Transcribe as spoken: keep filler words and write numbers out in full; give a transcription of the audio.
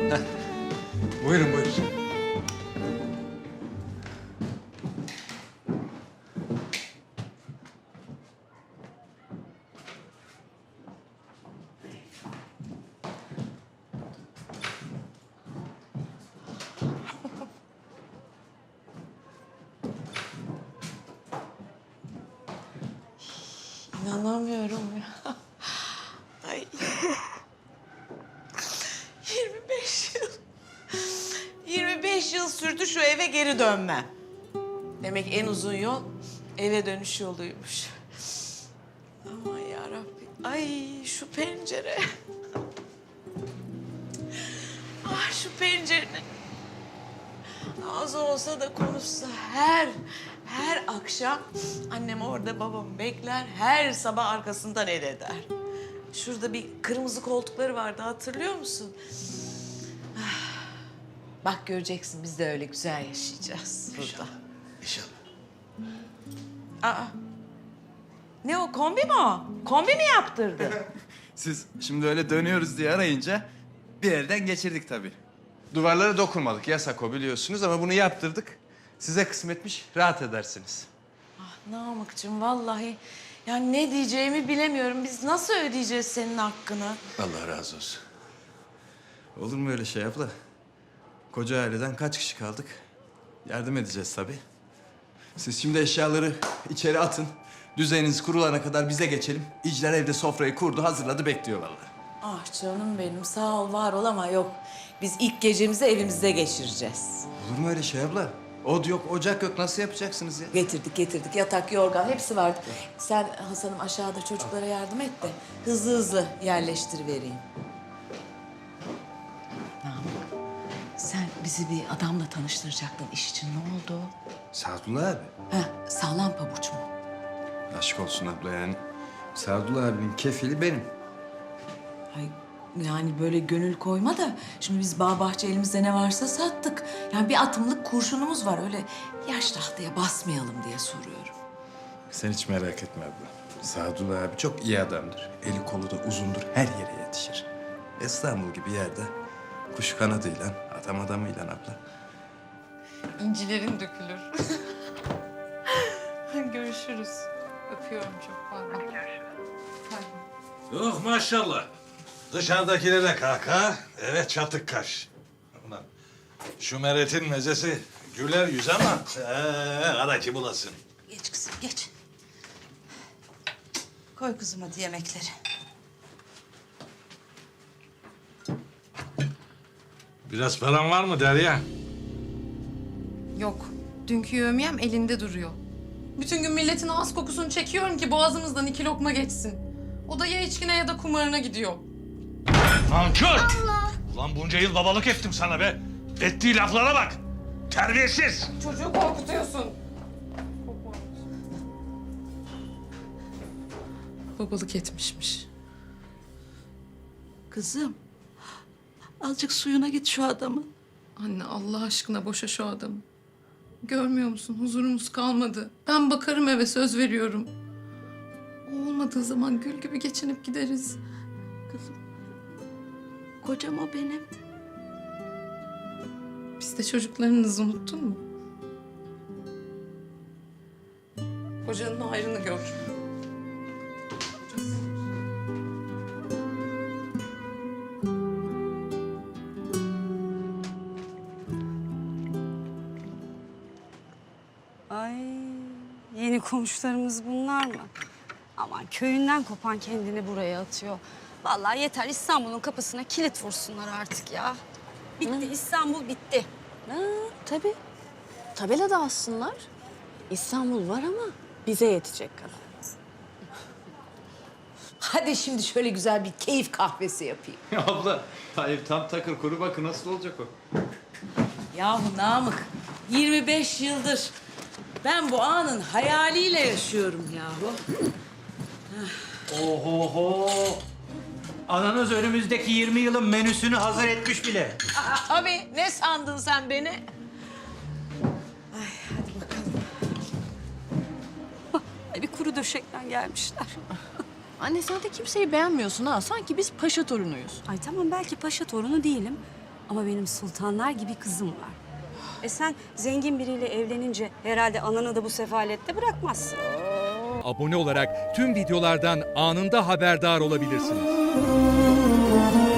Heh. Buyurun buyurun. İnanamıyorum ya. Ay. yirmi beş yıl. yirmi beş yıl sürdü şu eve geri dönmem. Demek en uzun yol eve dönüş yoluymuş. Aman yarabbim. Ay şu pencere. Ah şu pencerenin ağzı olsa da konuşsa her, her akşam annem orada babamı bekler, her sabah arkasından el eder. Şurada bir kırmızı koltukları vardı, hatırlıyor musun? Ah, bak göreceksin, biz de öyle güzel yaşayacağız burada. İnşallah. Aa, ne o, kombi mi o? Kombi mi yaptırdı? Siz şimdi öyle dönüyoruz diye arayınca bir elden geçirdik tabii. Duvarlara dokunmadık, yasak o biliyorsunuz ama bunu yaptırdık. Size kısmetmiş, rahat edersiniz. Ah Namık'cığım vallahi yani ne diyeceğimi bilemiyorum. Biz nasıl ödeyeceğiz senin hakkını? Allah razı olsun. Olur mu öyle şey abla? Koca aileden kaç kişi kaldık? Yardım edeceğiz tabii. Siz şimdi eşyaları içeri atın. Düzeniniz kurulana kadar bize geçelim. İcler evde sofrayı kurdu, hazırladı, bekliyor vallahi. Ah canım benim, sağ ol, var ol ama yok. Biz ilk gecemizi evimizde geçireceğiz. Olur mu öyle şey abla? Od yok, ocak yok. Nasıl yapacaksınız ya? Getirdik getirdik, yatak, yorgan hepsi vardı. Sen Hasan'ım aşağıda çocuklara yardım et de hızlı hızlı yerleştirivereyim. Namık, sen bizi bir adamla tanıştıracaktın, iş için ne oldu? Sadullah abi. Ha, sağlam pabuç mu? Aşk olsun abla yani. Sadullah abinin kefili benim. Ay, yani böyle gönül koyma da şimdi biz bağ bahçe elimizde ne varsa sattık. Yani bir atımlık kurşunumuz var, öyle yaş tahtaya basmayalım diye soruyorum. Sen hiç merak etme abla. Sadullah abi çok iyi adamdır. Eli kolu da uzundur, her yere yetişir. İstanbul gibi yerde kuş kanadıyla, adam adamıyla abla. İncilerin dökülür. Görüşürüz. Öpüyorum çok, pardon. Yok maşallah. Dışarıdakilere kaka, eve çatık kaş. Ulan şu Meret'in mezesi güler yüz ama ee, ara ki bulasın. Geç kızım, geç. Koy kızım hadi yemekleri. Biraz paran var mı Derya? Yok. Dünkü yövmiyem elinde duruyor. Bütün gün milletin ağız kokusunu çekiyorum ki boğazımızdan iki lokma geçsin. O da ya içkine ya da kumarına gidiyor. Nankör! Allah! Ulan bunca yıl babalık ettim sana be. Ettiği laflara bak. Terbiyesiz. Çocuğu korkutuyorsun. Babalık etmişmiş. Kızım, azıcık suyuna git şu adamın. Anne Allah aşkına boşa şu adamı. Görmüyor musun? Huzurumuz kalmadı. Ben bakarım eve, söz veriyorum. O olmadığı zaman gül gibi geçinip gideriz. Kızım, kocam o benim. Biz de çocuklarınızı unuttun mu? Kocanın hayrını gör. Ay, yeni komşularımız bunlar mı? Aman köyünden kopan kendini buraya atıyor. Vallahi yeter, İstanbul'un kapısına kilit vursunlar artık ya. Bitti, İstanbul bitti. Ha, tabii. Tabela da assınlar. İstanbul var ama bize yetecek kadar. Hadi şimdi şöyle güzel bir keyif kahvesi yapayım. Abla, hayır tam takır kuru, bakın nasıl olacak o? Yahu Namık, yirmi beş yıldır ben bu anın hayaliyle yaşıyorum yahu. Ohoho! Ananız önümüzdeki yirmi yılın menüsünü hazır etmiş bile. Aa, abi ne sandın sen beni? Ay, bir kuru döşekten gelmişler. Anne sen de kimseyi beğenmiyorsun ha. Sanki biz paşa torunuyuz. Ay tamam, belki paşa torunu değilim. Ama benim sultanlar gibi kızım var. E sen zengin biriyle evlenince herhalde ananı da bu sefalette bırakmazsın. Abone olarak tüm videolardan anında haberdar olabilirsiniz.